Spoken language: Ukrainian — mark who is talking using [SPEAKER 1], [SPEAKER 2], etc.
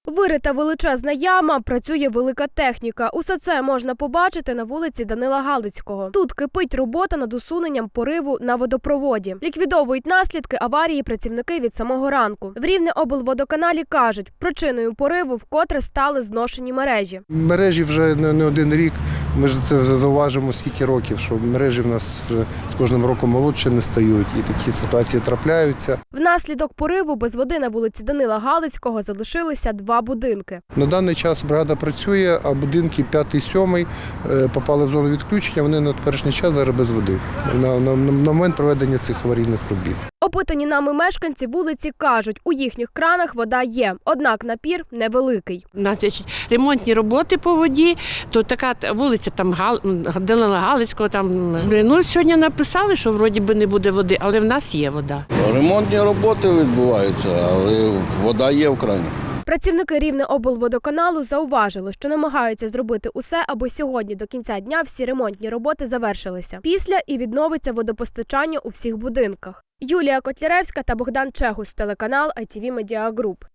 [SPEAKER 1] Вирита величезна яма, працює велика техніка. Усе це можна побачити на вулиці Данила Галицького. Тут кипить робота над усуненням пориву на водопроводі. Ліквідовують наслідки аварії працівники від самого ранку. В Рівнеоблводоканалі кажуть, причиною пориву вкотре стали зношені мережі.
[SPEAKER 2] Мережі вже не один рік, ми ж це вже зауважимо скільки років, що мережі в нас вже з кожним роком молодше не стають і такі ситуації трапляються.
[SPEAKER 1] Внаслідок пориву без води на вулиці Данила Галицького залишилися 2 будинки.
[SPEAKER 2] На даний час бригада працює, а будинки 5-7 попали в зону відключення, вони на теперішній час зараз без води, на момент проведення цих аварійних робіт.
[SPEAKER 1] Опитані нами мешканці вулиці кажуть, у їхніх кранах вода є, однак напір невеликий.
[SPEAKER 3] У нас є ремонтні роботи по воді, то така вулиця там Данила Галицького. Сьогодні написали, що вроді би не буде води, але в нас є вода.
[SPEAKER 4] Ремонтні роботи відбуваються, але вода є в крані.
[SPEAKER 1] Працівники Рівнеоблводоканалу зауважили, що намагаються зробити усе, аби сьогодні до кінця дня всі ремонтні роботи завершилися. Після і відновиться водопостачання у всіх будинках. Юлія Котляревська та Богдан Чегус, телеканал ITV Media Group.